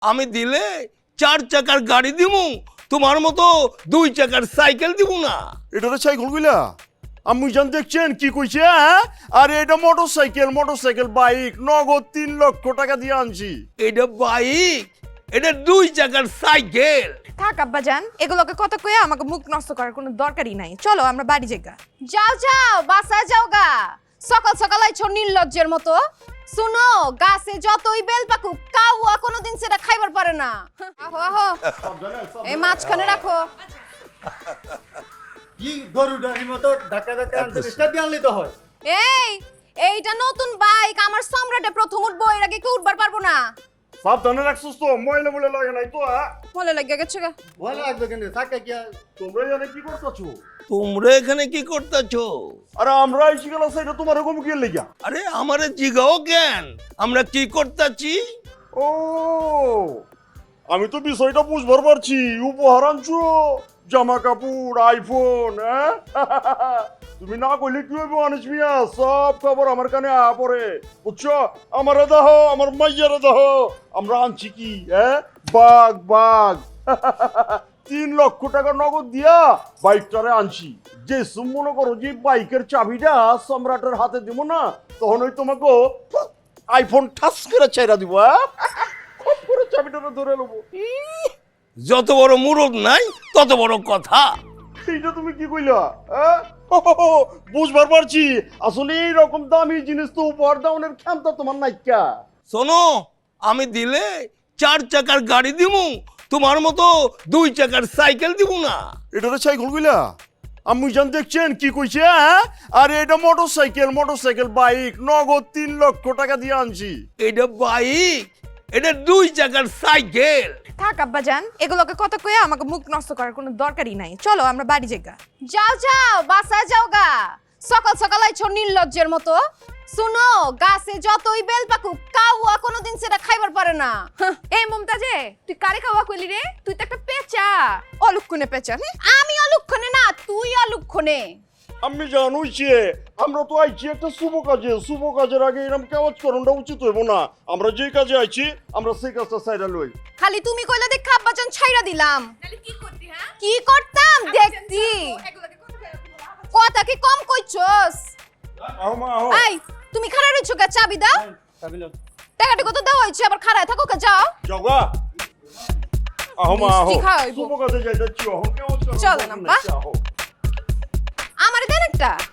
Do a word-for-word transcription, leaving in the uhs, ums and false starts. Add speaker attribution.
Speaker 1: আমি দিলে চার চাকার গাড়ি দিমু, তোমার মতো দুই চাকার সাইকেল দিব না।
Speaker 2: এটা তো সাইকেল গুলা আমি জান দেখছেন কি কইছে? হ্যাঁ, আরে এটা motorcycle motorcycle bike নগদ তিন লক্ষ টাকা দিয়ে আনছি।
Speaker 1: এটা বাইক, এটা দুই চাকার সাইকেল।
Speaker 3: থাক আব্বাজান, এগুলোকে কথা কয়ে আমাকে মুখ নষ্ট করার কোনো দরকারই নাই। চলো আমরা বাড়ি যাই।
Speaker 4: যাও যাও বাসায় যাও গা, সকাল সকাল আইছো নির্লজ্জের মতো। শুনো, গাছে যতই বেল পাকুক কাউয়া কোনোদিন সেটা খাইবার পারে না। আহো আহো, এই মাছখানে রাখো।
Speaker 5: কি গরুটার মতো ধাক্কা ধাক্কা আনতে স্টার্ট দিয়ে আনলে তো হয়।
Speaker 4: এই এইটা নতুন বাইক, আমার সম্রাটে প্রথম উঠবো, এর আগে কেউ উঠবার পারবো না।
Speaker 2: সাবধানে রাখছিস তো, ময়লা ময়লা লাগে নাই তো? হ্যাঁ,
Speaker 4: মলে লাগে গেছে গা।
Speaker 5: ভালো লাগবে কেন ধাক্কা কি আর?
Speaker 2: তোমরা জানে কি করতেছো?
Speaker 1: তোমরা এখানে কি করতেছো?
Speaker 2: আরে আমরা এসে গেল সেটা তোমার এরকম কি লেগা?
Speaker 1: আরে আমারে জিগাও কেন, আমরা কি করতেছি?
Speaker 2: ও, আমি তো বিষয়টা বুঝবার পারছি। উপহার আনছো, জামা কাপড়, আইফোন। হ্যাঁ, তুমি না কইলে কি হইব আনিস মিয়া? সব খবর আমার কানে আ পড়ে, বুঝছো? আমারে দাহ, আমার মাইয়ারে দাহ, আমরা আনছি কি? হ্যাঁ, বাঘ বাঘ তিন লক্ষ টাকা নগদ দিয়া বাইকটারে আনছি। যে মনে করো যে বাইকের চাবিটা সম্রাটের হাতে দিব না, তখন ওই তোমাকে আইফোন ঠাস করে ছেড়া দিব। হ্যাঁ, খুব করে চাবিটা ধরে নেবো।
Speaker 1: যত বড় মুরদ নাই তত বড় কথা।
Speaker 2: এইটা তুমি কি কইলা? হ্যাঁ, বুঝবার পারছি। আসলে এইরকম দামি জিনিস তো উপহার দাওনের ক্ষমতা তোমার নাইকা।
Speaker 1: শোনো, আমি দিলে চার চাকার গাড়ি দিমু, তোমার মতো দুই চাকার সাইকেল দিব না।
Speaker 2: এটা তো সাইকেল গুলা আমি জান দেখছেন কি কইছে? হ্যাঁ, আরে এটা motorcycle motorcycle bike নগদ তিন লক্ষ টাকা দিয়ে আনছি।
Speaker 1: এটা বাইক, এটা দুই চাকার সাইকেল।
Speaker 3: থাক আব্বাজান, এগুলোকে কথা কয়ে আমাকে মুখ নষ্ট করার কোনো দরকারই নাই। চলো আমরা বাড়ি যাই।
Speaker 4: যাও যাও বাসায় যাও গা, সকাল সকাল আইছো নির্লজ্জের মতো। শুনো, গাছে যতই বেল পাকুক কাউয়া কোনোদিন সেটা খাইবার পারে না।
Speaker 3: এই মমতাজে, তুই কারে খাওয়া কইলি রে? তুই তো একটা পেঁচা, অলক্ষণে পেঁচা। হুম?
Speaker 4: আমি অলুক্ষণে না, তুই অলুক্ষণে।
Speaker 2: আমি জানুইছি আমরা তো আইছি একটা শুভ কাজে। শুভ কাজের আগে এরকম কাজ করাটা উচিত হইব না। আমরা যে কাজে আইছি আমরা সেই কাজটা সাইডা লই।
Speaker 4: খালি তুমি কইলা দেখ আব্বাজান ছাইরা দিলাম।
Speaker 3: কি করতি? হ্যাঁ,
Speaker 4: কি করতাম দেখতি। কথা কি কম কইছস?
Speaker 2: আও মা আও।
Speaker 4: এই তুমি খাড়া রইছো কে? চাবি দাও।
Speaker 5: চাবি নাও।
Speaker 4: টাকাটা কত দেওয়া হয়েছে, আবার খাড়ায় থাকো কে? যাও।
Speaker 2: যাওগা। আও মা আও।
Speaker 4: মিষ্টি খাওয়াইবো।
Speaker 2: শুভ কাজে যাইতাছি। আও কেমন
Speaker 4: চলো না, বাহ। আমারে দেন একটা।